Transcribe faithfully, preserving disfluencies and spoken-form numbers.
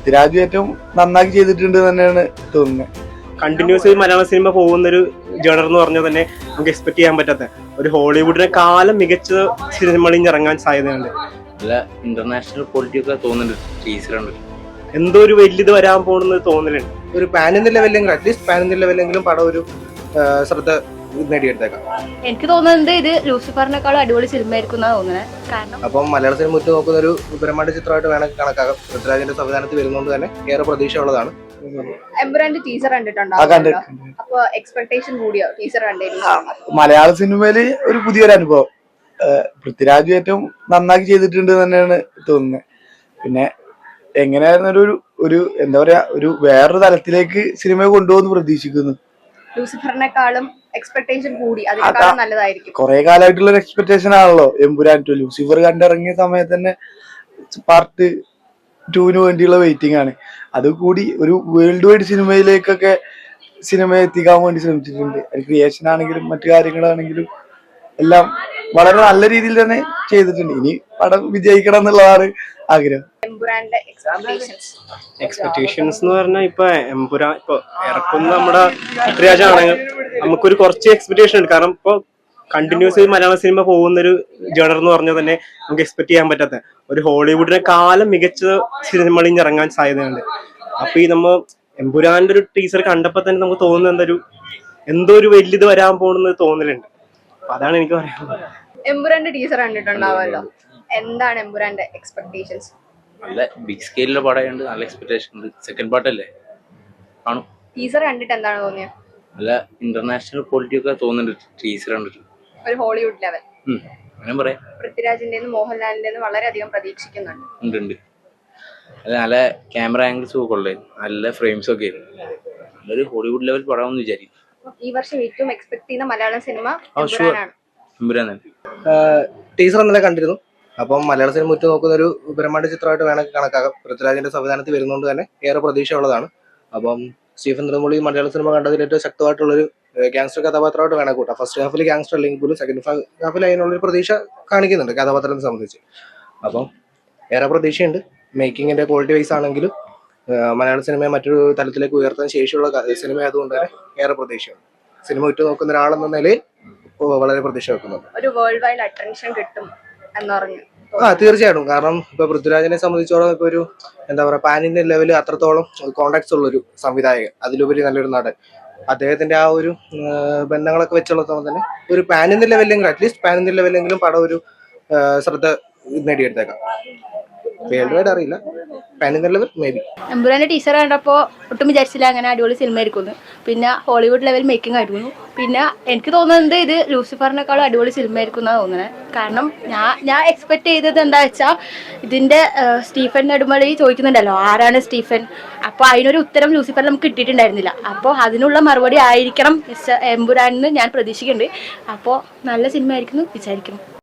പൃഥ്വിരാജ് ഏറ്റവും നന്നാക്കി ചെയ്തിട്ടുണ്ട് തന്നെയാണ് തോന്നുന്നത്. കണ്ടിന്യൂസ് മലയാള സിനിമ പോകുന്ന ഒരു ജേണർ എന്ന് പറഞ്ഞാൽ തന്നെ നമുക്ക് എക്സ്പെക്ട് ചെയ്യാൻ പറ്റാത്ത ഒരു ഹോളിവുഡിനെ കാലം മികച്ച സിനിമകളിൽ ഇറങ്ങാൻ സാധ്യതയുണ്ട്. നല്ല ഇന്റർനാഷണൽ ക്വാളിറ്റി ഒക്കെ തോന്നുന്നുണ്ട്. ടീച്ചറുണ്ട് എന്തോ ഒരു വലിയത് വരാൻ പോകുന്നത് തോന്നലുണ്ട്. ഒരു പാൻ ഇന്ത്യ ലെവലെങ്കിലും അറ്റ്ലീസ്റ്റ് പാൻ ഇന്ത്യ ലെവലെങ്കിലും പടം ഒരു ശ്രദ്ധ നേടിയെടുത്തേക്കാം. എനിക്ക് തോന്നുന്നത് ഇത് ലൂസിഫറിനേക്കാളും അടിപൊളി സിനിമ ആയിരിക്കും എന്നാണ് തോന്നുന്നത്. കാരണം അപ്പം മലയാള സിനിമ ഉറ്റു നോക്കുന്ന ഒരു ബ്രഹ്മാണ്ഡ ചിത്രമായിട്ട് വേണമെങ്കിൽ കണക്കാക്കാം. പൃഥ്വിരാജിന്റെ സംവിധാനത്തിൽ വരുന്നതുകൊണ്ട് തന്നെ ഏറെ പ്രതീക്ഷ ഉള്ളതാണ്. എമ്പുരാന്റെ ടീച്ചർ കണ്ടിട്ടുണ്ടോ? അപ്പൊ എക്സ്പെക്ടേഷൻ കൂടിയോ ടീച്ചർ കണ്ടിരുന്നു? മലയാള സിനിമയില് ഒരു പുതിയൊരു അനുഭവം. പൃഥ്വിരാജ് ഏറ്റവും നന്നാക്കി ചെയ്തിട്ടുണ്ട് തന്നെയാണ് തോന്നുന്നത്. പിന്നെ എങ്ങനെയായിരുന്നു ഒരു ഒരു എന്താ പറയാ ഒരു വേറൊരു തലത്തിലേക്ക് സിനിമയെ കൊണ്ടുപോകുന്നു പ്രതീക്ഷിക്കുന്നു. ലൂസിഫറിനെക്കാളും എക്സ്പെക്ടേഷൻ കൂടി, അതിനേക്കാളും നല്ലതായിരിക്കും. കുറെ കാലമായിട്ടുള്ള ഒരു എക്സ്പെക്ടേഷൻ ആണല്ലോ എമ്പുരാൻ ടു. ലൂസിഫർ കണ്ടിറങ്ങിയ സമയത്ത് തന്നെ പാർട്ട് ടൂവിന് വേണ്ടിയുള്ള വെയിറ്റിംഗ് ആണ്. അത് കൂടി ഒരു വേൾഡ് വൈഡ് സിനിമയിലേക്കൊക്കെ സിനിമ എത്തിക്കാൻ വേണ്ടി ശ്രമിച്ചിട്ടുണ്ട്. അത് ക്രിയേഷൻ ആണെങ്കിലും മറ്റു കാര്യങ്ങളാണെങ്കിലും എല്ലാം വളരെ നല്ല രീതിയിൽ തന്നെ ചെയ്തിട്ടുണ്ട്. ഇനി പടം വിജയിക്കണം എന്നുള്ളതാണ് ആഗ്രഹം. എമ്പുരാന്റെ എക്സ്പെക്ടേഷൻസ് എക്സ്പെക്ടേഷൻസ് എന്ന് പറഞ്ഞാൽ ഇപ്പൊ എമ്പുരാൻ ഇപ്പൊ ഇറക്കുന്ന നമ്മുടെ പൃഥ്വിരാജ് ആണെങ്കിൽ നമുക്കൊരു കുറച്ച് എക്സ്പെക്ടേഷൻ ഉണ്ട്. കാരണം ഇപ്പൊ കണ്ടിന്യൂസ് മലയാള സിനിമ പോകുന്ന ഒരു ജേണർ എന്ന് പറഞ്ഞാൽ തന്നെ നമുക്ക് എക്സ്പെക്ട് ചെയ്യാൻ പറ്റാത്ത ഒരു ഹോളിവുഡിനെ കാലം മികച്ച സിനിമകളിൽ ഇറങ്ങാൻ സാധ്യതയുണ്ട്. അപ്പൊ ഈ നമ്മ എമ്പുരാന്റെ ഒരു ടീച്ചർ കണ്ടപ്പോ തന്നെ നമുക്ക് തോന്നുന്നത് എന്തൊരു എന്തോ ഒരു വലിയത് വരാൻ പോകുന്നത് തോന്നലുണ്ട്. അപ്പൊ അതാണ് എനിക്ക് പറയാനുള്ളത്. എമ്പുരാന്റെ ടീച്ചർ കണ്ടിട്ടുണ്ടാവുമല്ലോ, എന്താണ് എമ്പുരാന്റെ എക്സ്പെക്ടേഷൻസ്? നല്ല ബിഗ് സ്കെയിലുള്ള പടമുണ്ട്. നല്ല എക്സ്പെക്ടേഷൻ ഉണ്ട്. സെക്കൻഡ് പാർട്ടല്ലേ കാണും. ടീച്ചർ കണ്ടിട്ട് എന്താണ് തോന്നിയത്? നല്ല ഇന്റർനാഷണൽ ക്വാളിറ്റി ഒക്കെ തോന്നുന്നുണ്ട്. ടീച്ചർ കണ്ടിട്ട് ഒരു ഹോളിവുഡ് ലെവൽ. അങ്ങനെ പറയാം. പൃഥ്വിരാജിന്റെ മോഹൻലാലിന്റെ വളരെയധികം പ്രതീക്ഷിക്കുന്നുണ്ട്. ഉണ്ട് ഉണ്ട് അല്ല നല്ല ക്യാമറ ആംഗിൾസ് ഒക്കെ ഉള്ളത്, നല്ല ഫ്രെയിംസ് ഒക്കെ നല്ലൊരു ഹോളിവുഡ് ലെവൽ പടമെന്ന് വിചാരിക്കും. ഈ വർഷം ഏറ്റവും എക്സ്പെക്ട് ചെയ്യുന്ന മലയാളം സിനിമ എമ്പുരാൻ തന്നെ. ടീച്ചർ ഇന്നലെ കണ്ടിരുന്നു. അപ്പം മലയാള സിനിമ ഉറ്റു നോക്കുന്ന ഒരു ബ്രഹ്മാണ്ഡ ചിത്രമായിട്ട് വേണമെങ്കിൽ കണക്കാക്കാം. പൃഥ്വിരാജിന്റെ സംവിധാനത്തിൽ വരുന്നതുകൊണ്ട് തന്നെ ഏറെ പ്രതീക്ഷ ഉള്ളതാണ്. അപ്പം സ്റ്റീഫൻ നെടുമുടി മലയാള സിനിമ കണ്ടതിൽ ഏറ്റവും ശക്തമായിട്ടുള്ളൊരു ഗാങ്സ്റ്റർ കഥാപാത്രമായിട്ട് വേണമെങ്കിൽ കൂട്ടാം. ഫസ്റ്റ് ഹാഫിൽ ഗാങ്സ്റ്റർ അല്ലെങ്കിൽ പോലും സെക്കൻഡ് ഹാഫിൽ അതിനുള്ളൊരു പ്രതീക്ഷ കാണിക്കുന്നുണ്ട് കഥാപാത്രത്തെ സംബന്ധിച്ച്. അപ്പം ഏറെ പ്രതീക്ഷയുണ്ട്. മേക്കിങ്ങിന്റെ ക്വാളിറ്റി വൈസ് ആണെങ്കിലും മലയാള സിനിമയെ മറ്റൊരു തലത്തിലേക്ക് ഉയർത്താൻ ശേഷിയുള്ള സിനിമ ആയതുകൊണ്ട് തന്നെ ഏറെ പ്രതീക്ഷയുണ്ട്. സിനിമ ഉറ്റു നോക്കുന്ന ഒരാളെന്ന നിലയിൽ വളരെ പ്രതീക്ഷ വെക്കുന്നുണ്ട്. ഒരു വേൾഡ് വൈഡ് അറ്റൻഷൻ കിട്ടും എന്ന് പറഞ്ഞു. ആ തീർച്ചയായിട്ടും. കാരണം ഇപ്പൊ പൃഥ്വിരാജിനെ സംബന്ധിച്ചോളം ഇപ്പൊ ഒരു എന്താ പറയാ പാൻ ഇന്ത്യൻ ലെവലിൽ അത്രത്തോളം കോണ്ടാക്ട്സ് ഉള്ള ഒരു സംവിധായകൻ, അതിലുപരി നല്ലൊരു നടൻ, അദ്ദേഹത്തിന്റെ ആ ഒരു ബന്ധങ്ങളൊക്കെ വെച്ചുള്ള തന്നെ ഒരു പാൻ ഇന്ത്യൻ ലെവലെങ്കിലും അറ്റ്ലീസ്റ്റ് പാൻ ഇന്ത്യൻ ലെവലെങ്കിലും പടം ഒരു ശ്രദ്ധ നേടിയെടുത്തേക്കാം. വേൾഡ് വൈഡ് അറിയില്ല, pan Indian level maybe. എമ്പുരാന്റെ ടീച്ചർ കണ്ടപ്പോൾ ഒട്ടും വിചാരിച്ചില്ല അങ്ങനെ അടിപൊളി സിനിമ ആയിരിക്കുന്നു. പിന്നെ ഹോളിവുഡ് ലെവൽ മേക്കിംഗ് ആയിരുന്നു. പിന്നെ എനിക്ക് തോന്നുന്നത് ഇത് ലൂസിഫറിനേക്കാളും അടിപൊളി സിനിമ ആയിരിക്കും എന്നാണ് തോന്നുന്നത്. കാരണം ഞാൻ ഞാൻ എക്സ്പെക്ട് ചെയ്തത് എന്താ വെച്ചാൽ ഇതിന്റെ സ്റ്റീഫൻ നെടുമുടി ചോദിക്കുന്നുണ്ടല്ലോ ആരാണ് സ്റ്റീഫൻ, അപ്പോൾ അതിനൊരു ഉത്തരം ലൂസിഫറിൽ നമുക്ക് കിട്ടിയിട്ടുണ്ടായിരുന്നില്ല. അപ്പോൾ അതിനുള്ള മറുപടി ആയിരിക്കണം എമ്പുരാനെന്ന് ഞാൻ പ്രതീക്ഷിക്കുന്നുണ്ട്. അപ്പോൾ നല്ല സിനിമ ആയിരിക്കുന്നു വിചാരിക്കുന്നു.